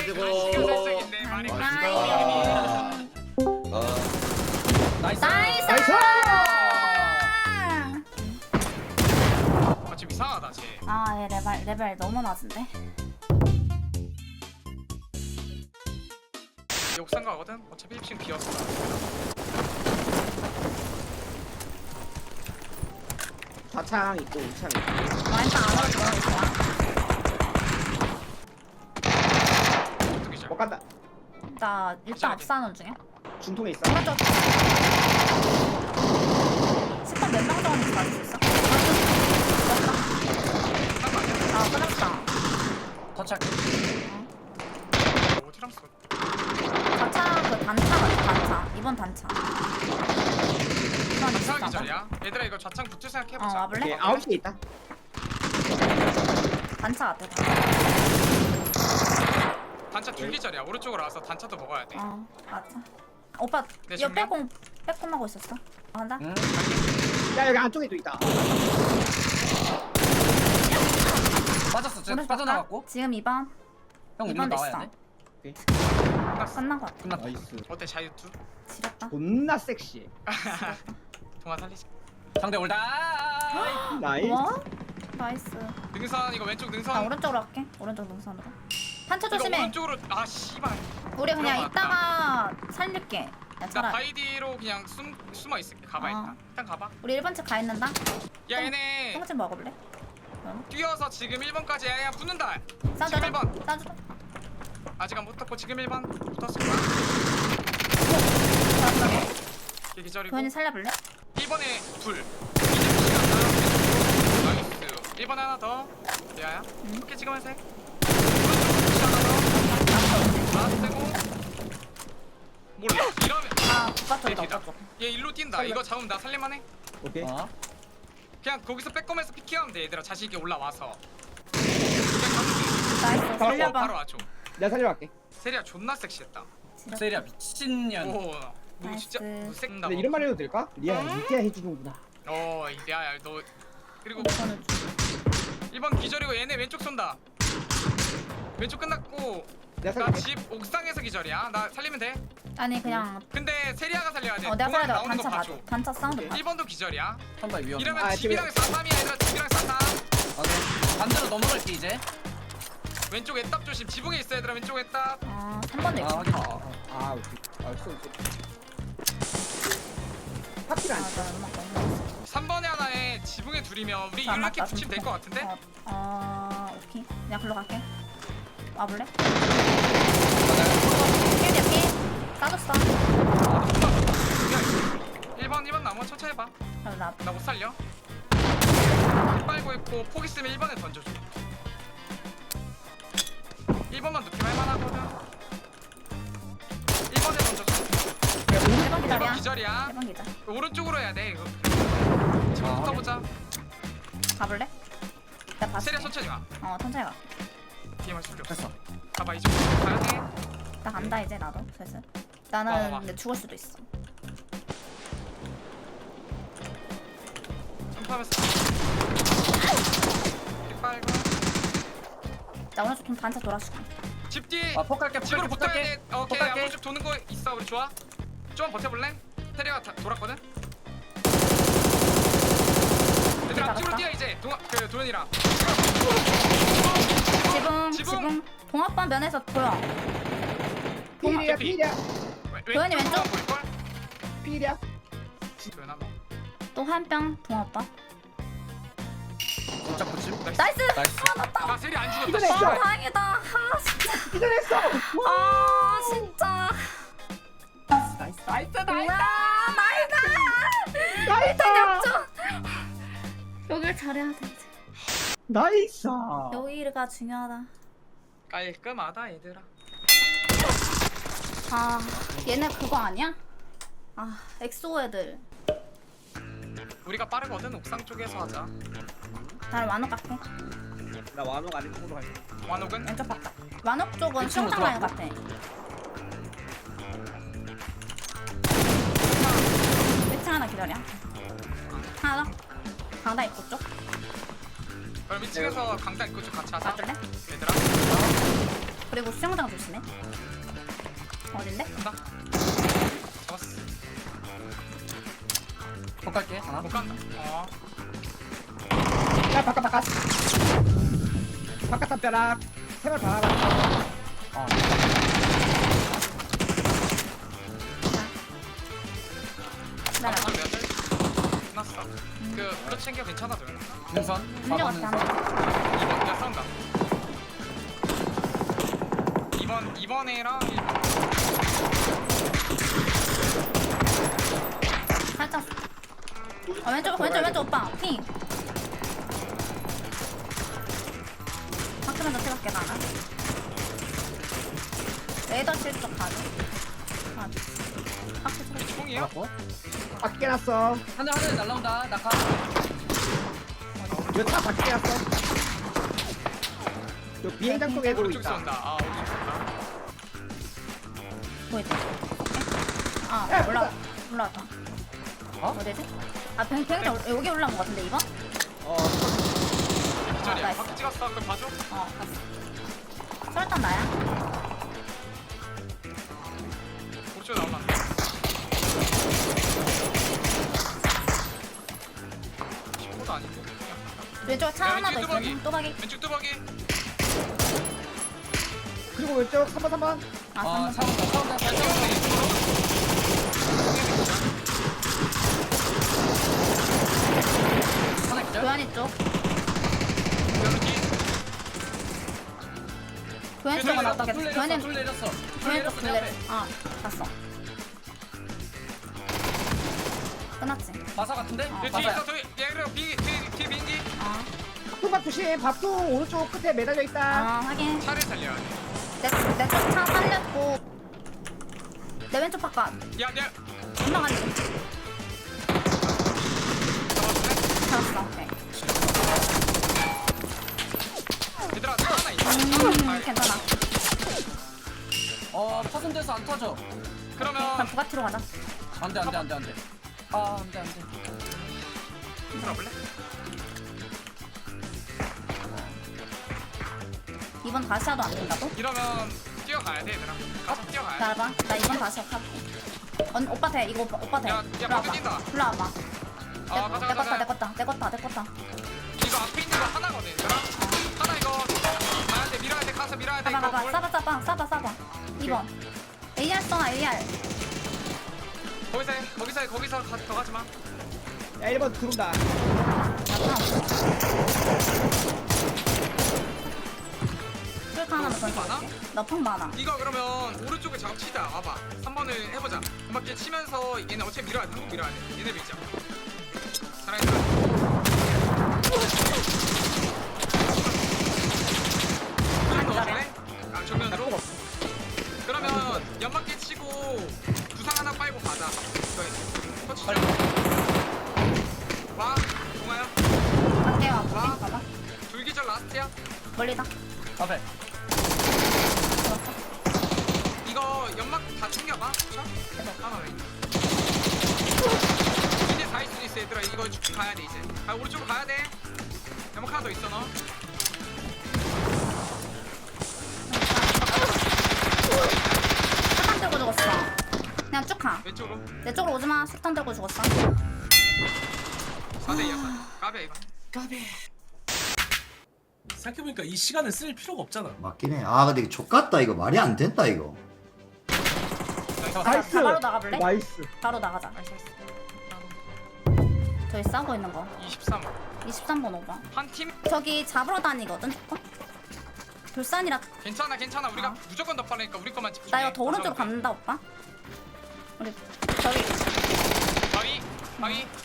가지고. 나이스. 나이스. 나이스. 아 지금 이상하다 쟤. 아, 얘 레벨 너무 낮은데. 옥상 가거든. 어차피 1층 비었어. 좌창 있고 우창 있고. 와인빵 안 와도 좋아. 어떻게 잘? 못 간다. 나 일단 압사하는 중이야. 중통에 있어. 오른쪽. 10번 몇명 정도 맞을 수 있어? 아, 끝났다. 터치할게. 어디랑 써? 단차, 그 단차 같아, 단차. 이번 단차. 이번 좌창 있어. 기절이야. 얘들아 이거 좌창 붙을 생각 해보자. 와볼래? 오케이 9시에 있다. 단차 같아. 단차 둘 기절이야. 오른쪽으로 와서 단차도 먹어야 돼. 맞아. 오빠, 네, 이거 정면? 빼꼼하고 있었어. 간다? 응. 야 여기 안쪽에도 있다. 빠졌어. 쟤 오른쪽 빠져나갔고. 갈까? 지금 2번. 형 일로 2번 나와야 됐어. 돼. 끝났어. 끝난 거 같아. 끝났다. 나이스. 어때 자유투? 지렸다. 존나 섹시해. 동아 살리자. 상대 올다. 나이스. 와? 나이스. 능선 이거 왼쪽 나 능선. 오른쪽으로 할게. 오른쪽 능선으로. 탄차 이거 조심해. 오른쪽으로 아 씨발. 우리 그냥 들어갔다. 이따가 살릴게. 야, 나 차라리. 바이디로 그냥 숨어 있을게. 가봐 일단. 일단 가봐. 우리 1번째 가 있는다. 야 얘네 똥집 먹어볼래? 뛰어서 지금 1번까지 야 붙는다. 싸줘. 지금 1번. 싸줘. 아직 안 붙었고 지금 1번 붙었을 거야. 얘 기절이고. 도현이 살려볼래? 1번에 둘. 이제 시간 나. 나이스. 1번에 하나 더. 야야. 오케이 지금 색. 하나 세고. 몰라. 이러면 아, 오빠 쪽이다, 대피다. 오빠 쪽. 얘 일로 뛴다. 이거 잡으면 나 살릴만해. 오케이. 어. 그냥 거기서 빼꼼해서 피킹하면 돼 얘들아. 자신 있게 올라와서. 그냥 가면 돼. 나이스, 바로 살려봐. 와줘. 내가 살려갈게. 세리야 존나 섹시했다. 지렸다. 세리야 미친년. 오. 너 나이스. 진짜 너 섹다. 근데 이런 말 해도 될까? 리아 이때야 해주는구나. 야야 너 그리고 이거는 1번 기절이고 얘네 왼쪽 쏜다. 왼쪽 끝났고 내가 나 살릴게. 집 옥상에서 기절이야. 나 살리면 돼. 아니, 그냥. 근데 세리아가 살려야 돼. 내가 공항 살려다 나오는 거 단차 봐줘. 맞아. 단차 사운드 봐줘. 1번도 기절이야. 선발 위험. 이러면 아, 집이랑 쌍삼이야 얘들아. 집이랑 쌍삼. 반대로 넘어갈게 이제. 왼쪽 애답 조심. 지붕에 있어 얘들아. 왼쪽 애답. 3번도 아 있어. 확인. 아 오케이. 아 쏘. 파티를 안 쳐. 나 음악 너무 3번에 하나에 지붕에 둘이면 우리 안 이렇게 맞다, 붙이면 될 것 같은데? 오케이. 그냥 글로 갈게. 와볼래? 맞아요. 필 대피. 싸줬어. 1번 나무 천천히 해봐. 그럼 나. 나 못 살려. 힐 빨고 있고 폭 있으면 1번에 던져줘. 1번만 높이면 할만하거든. 1번에 던져줘. 1번 1번 기다려. 기절이야. 1번 기다. 오른쪽으로 해야 돼 이거. 아, 붙어보자. 가볼래? 나 봤어. 세리야 천천히 와. 천천히 가. 뒤에만 숨겨. 됐어. 가봐 이제 가야 돼. 나 간다 이제 나도 슬슬. 와. 나는 근데 죽을 수도 있어. 점프하면서. 힐 빨고. 나 오른쪽 좀 단차 돌아줄게. 집 뒤. 아 폭갈게. 집으로 붙어야 폭갈게. 돼. 오케이. 폭갈게. 오른쪽 도는 거 있어. 우리 좋아. 좀 버텨볼래? 테리가 돌았거든. 얘들아 앞쪽으로 뛰어 이제. 그 도현이랑. 지붕. 동합반 면에서 보여. 필이야 대피. 필이야 도현이 왼쪽. 보일걸? 필이야. 도현아 뭐. 또 한병 동합반. 짝 붙임. 나이스. 나이스. 아 세리 안 죽었다. 이거네. 씨발. 다행이다. 아 진짜. 기절했어. 아 진짜. 나이스. 나이스 나이스. 여길 잘해야 돼 이제. 나이스. 여기가 중요하다. 깔끔하다 얘들아. 아 얘네 그거 아니야? 아 엑소 애들. 우리가 빠르거든. 옥상 쪽에서 하자. 잘 완옥 갈게. 나 완옥 아래쪽으로 갈게. 완옥은? 왼쪽 바깥. 완옥 쪽은 왼쪽으로 수영장 라인 같아. 왼쪽 하나 기다려. 하나 더. 강다 입구 쪽. 그럼 2층에서 강당 입구 쪽 같이 하자. 봐줄래? 얘들아. 그리고 수영장 조심해. 어딘데? 간다. 잡았어. 못 갈게 하나. 못 간다. 야 바깥 담벼락 세발 박아놨어. 어. 기다려. 몇 달? 끝났어. 그 블루 챙겨 괜찮아 도현아. 능선. 문제 같아 한 번. 2번 야 싸운다. 2번이랑 1번. 살짝. 왼쪽 오빠. 핑. 바꾸면서 찍을게 나는. 레이더 칠쪽 가져. 아, 박스 쳐. 총이야? 잡았고. 밖에 놨어. 하늘 날라온다. 낙하. 여차 밖에 놨어. 저 비행장 쪽에 보고 오른쪽 있다. 쏜다. 오른쪽 쏜다. 보이지? 아, 야, 올라왔다. 어? 어디지? 아, 비행장 여기 올라온 것 같은데, 2번? 기절이야. 나이스. 박 찍었어. 그럼 봐줘. 봤어. 설탕 나야? 오른쪽 나올라. 친구도 아니고. 왼쪽 차 야, 하나 더 왼쪽 뚜벅이. 있어. 또박이. 왼쪽 뚜벅이. 그리고 왼쪽 3번. 아, 아 3번. 차온다. 하나 기절. 교환이 쪽. 여기. 교환 쪽은 어떻게? 둘 교환이 내렸어. 교환 쪽 둘레. 아, 봤어. 끝났지? 마사 같은데? 어. 뒤에 마사야. 있어. 뒤에 그래. 뒤에 비행기. 아, 밥도박 조심. 밥도 오른쪽 끝에 매달려 있다. 아 확인. 차를 살려야 돼. 내쪽 차 살렸고 내 왼쪽 바깥. 야, 내가 금방 가지. 잡았네. 잡았어. 오케이. 얘들아, 차 하나 있어. 아, 괜찮아. 파손돼서 안 터져. 그럼 그러면 부가티로 가자. 안돼. 아 안돼. 들어볼래? 2번 다시 하도 안 된다고? 이러면 뛰어가야 돼, 얘들아. 가서 뛰어가야 돼. 기다려봐. 나 2번 다시 할게. 오빠 돼. 이거 오빠 돼. 야, 밖에 뛴다. 일로 와봐. 아, 가자. 내 거다. 이거 앞에 있는 거 하나거든, 얘들아. 하나 이거 가야 돼, 밀어야 돼, 가서 밀어야 돼. 가봐. 뭘- 싸봐. 2번. AR 써놔, AR. 거기서 더 가지 마. 야 1번 들어온다. 술 하나만 더 많아? 줄게. 너펑 많아. 이거 그러면 오른쪽에 작업치자. 와봐. 3번을 해보자. 음악기 치면서 얘네 어차피 밀어야 돼. 한국 밀어야 돼. 얘네 밀자. 잘했다. 아, 정면으로? 그러면 연막기 치고 부상 하나 빨고 가자. 이거 터치죠? 와, 동아야. 갈게 와. 와. 봐봐. 둘기절 라스트야. 멀리다. 앞에. 들었어. 이거 연막 다 챙겨봐. 쳐? 하나 왜? 이제 다 있을 수 있어 얘들아. 이거 가야 돼 이제. 아 오른쪽으로 가야 돼. 연막 하나 더 있어 너. 술탄 들고 죽었어. 그냥 쭉 가. 왼쪽으로. 내 쪽으로 오지 마. 술탄 들고 죽었어. 4대2야. 까비야 이거. 생각해보니까 이 시간을 쓸 필요가 없잖아. 맞긴 해. 아 근데 이거 족같다 이거 말이 안 된다 이거. 나이스. 바로 나가볼래? 나이스. 바로 나가자. 저기 싸고 있는 거. 23. 23번 5번. 한 팀. 저기 잡으러 다니거든. 조금? 돌산이라. 괜찮아. 우리가 무조건 더 빠르니까 우리 것만 집중해. 나 이거 더 오른쪽으로 간다 오빠. 우리 저기 바위.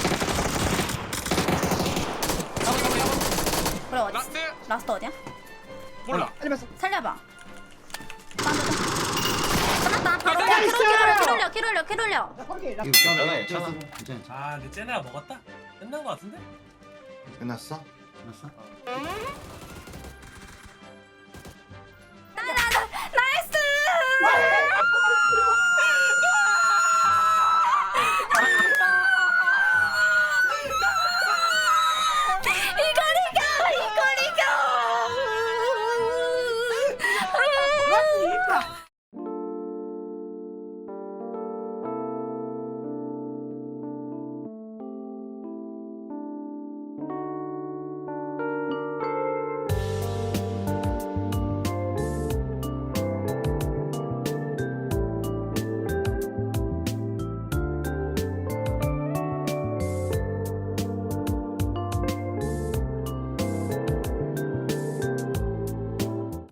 그래 어디? 라스트. 라스트 어디야? 몰라. 알리면서. 살려봐. 끝났다. 바로 나이스! 킬 올려. 야 거기. 이거 괜찮아, 괜찮아. 괜찮아. 괜찮아. 아, 근데 쟤네가 먹었다? 끝난 거 같은데? 끝났어? 끝났어? 나이스! 이걸 이겨! 뭐야